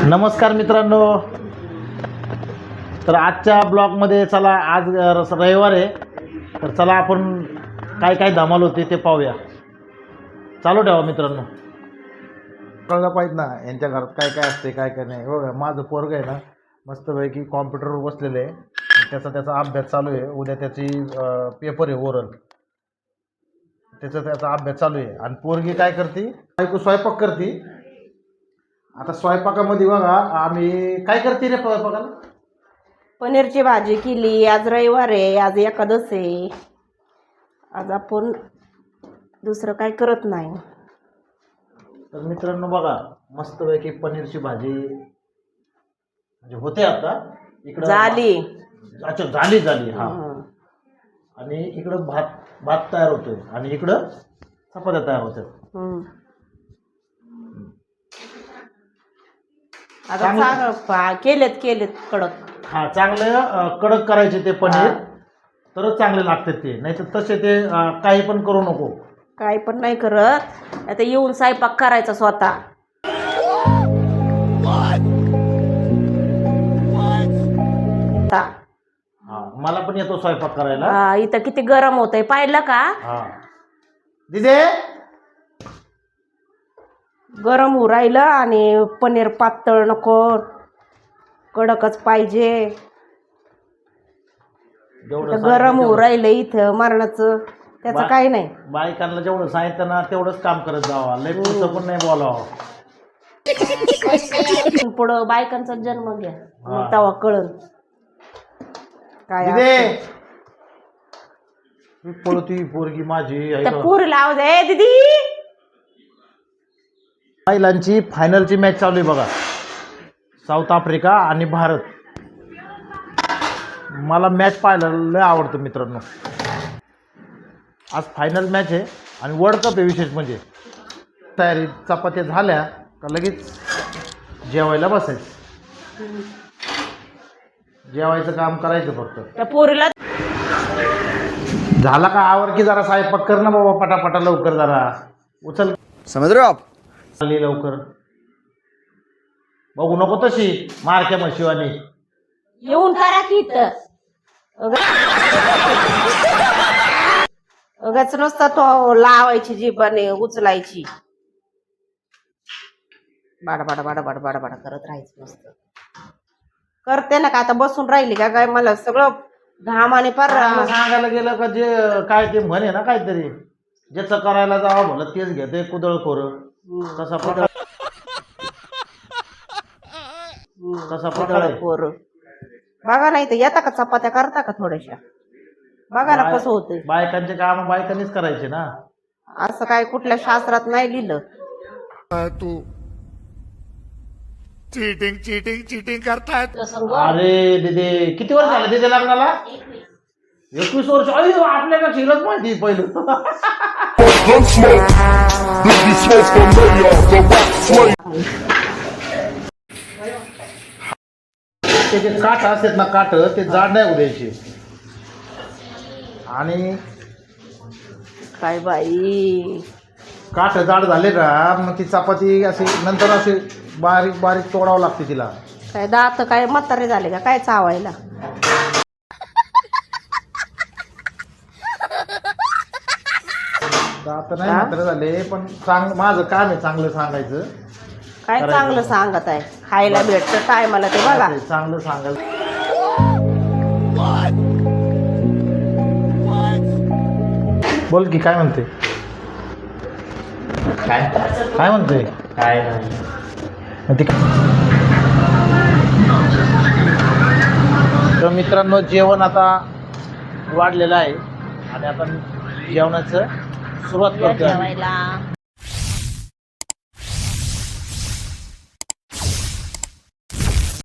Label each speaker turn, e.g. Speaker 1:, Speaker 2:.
Speaker 1: नमस्कार मित्रांनो. तर आजच्या ब्लॉगमध्ये चला, आज रविवार आहे, तर चला आपण काय काय धमाल होते ते पाहूया. चालू ठेवा मित्रांनो. कळलं पाहिजे ना यांच्या घरात काय काय असते काय काय नाही. हो, माझं पोरग आहे ना मस्तपैकी कॉम्प्युटरवर बसलेलं आहे. त्याचा अभ्यास चालू आहे. उद्या त्याची पेपर आहे ओरल, त्याचा अभ्यास चालू आहे. आणि पोरगी काय करते, बायको स्वयंपाक करते. आता स्वयंपाकामध्ये बघा आम्ही काय करते रे स्वयंपाकाला.
Speaker 2: पनीरची भाजी केली. आज रविवार आहे, आज एकादश आहे. आज आपण दुसरं काय करत नाही.
Speaker 1: तर मित्रांनो बघा मस्तपैकी पनीरची भाजी म्हणजे होते आता इकडं
Speaker 2: झाली.
Speaker 1: अच्छा झाली हा. आणि इकडं भात तयार होतोय आणि इकडं चपात्या तयार होतात.
Speaker 2: आता केलेत कडक.
Speaker 1: हा, चांगलं कडक करायचे ते पनीर, तरच चांगले लागतात ते. नाही तर तसे ते काही पण करू नको.
Speaker 2: काही पण नाही करत. आता येऊन स्वयंपाक करायचा स्वतः.
Speaker 1: मला पण येतो स्वयंपाक करायला.
Speaker 2: इथं किती गरम होतंय पाहिलं का.
Speaker 1: दिदे
Speaker 2: गरम होऊ राहिलं आणि पनीर पातळ नको, कडकच पाहिजे. गरम होऊ राहिलं इथं मरणाचं, त्याचं काही नाही.
Speaker 1: बायकांना जेवढं सांगितलं ना तेवढंच काम करत जावा, लय पुढचं पण नाही बोलावं.
Speaker 2: पुढं बायकांचा जन्म घ्या, मग तेव्हा कळन काय.
Speaker 1: पळती पोरगी माझी.
Speaker 2: पोरीला आवाज आहे दीदी.
Speaker 1: महिलांची फायनलची मॅच चालू आहे बघा, साऊथ आफ्रिका आणि भारत. मला मॅच पाहायला लय आवडतं मित्रांनो. आज फायनल मॅच आहे आणि वर्ल्ड कप आहे. विशेष म्हणजे तयारी चपात्या झाल्या का लगेच जेवायला बसायचं. जेवायचं काम करायचं फक्त.
Speaker 2: त्या पोरीला
Speaker 1: झाला का आवर की जरा स्वयंपाक कर ना बाबा, पटापटा लवकर जरा उचल.
Speaker 3: समझ रहे हो आप.
Speaker 1: लवकर बघू नको तशी मारक्या म्हशिवानी.
Speaker 2: येऊन करा की इथं. उगाच नुसता तो लावायची जीभाने उचलायची. बाडा करत राहायचं मस्त. करते ना का आता बसून राहिली का काय. मला सगळं घामाने फार
Speaker 1: सांगायला गेलं का जे काय ते म्हणे ना काहीतरी, ज्याचं करायला जावं म्हणलं तेच घेते कुदळ खोर. कसा प्रकार
Speaker 2: पोर बघा. नाही तर येता का चपात्या करता का थोड्याशा. बघा ना कसं होतंय.
Speaker 1: बायकांचे काम बायकांनीच करायचे ना.
Speaker 2: असं काय कुठल्या शास्त्रात नाही लिहिलं.
Speaker 3: तू चीटिंग करतायत.
Speaker 1: अरे दिदे किती वर्ष झाले दिदे लग्नाला. 21 वर्ष. अरे आपल्याला शिरत माहिती पहिलं. त्याचे काठ असतात ना, काठ ते जाड नाही उद्यायचे. आणि
Speaker 2: काय बाई
Speaker 1: काठ जाड झाले का मग ती चपाती अशी नंतर अशी बारीक बारीक तोडावं लागते तिला.
Speaker 2: काय दात काय म्हातारे झाले का काय चावायला.
Speaker 1: दात नाही मात्र झाले पण माझं काम आहे चांगलं सांगायचं.
Speaker 2: काय चांगलं सांगत आहे. खायला भेटतं काय मला ते बघा.
Speaker 1: चांगलं सांगायचं. बोल की काय म्हणते. काय म्हणते. काय नाही. तर मित्रांनो जेवण आता वाढलेलं आहे आणि आपण जेवणाचं सुरुवात करतो.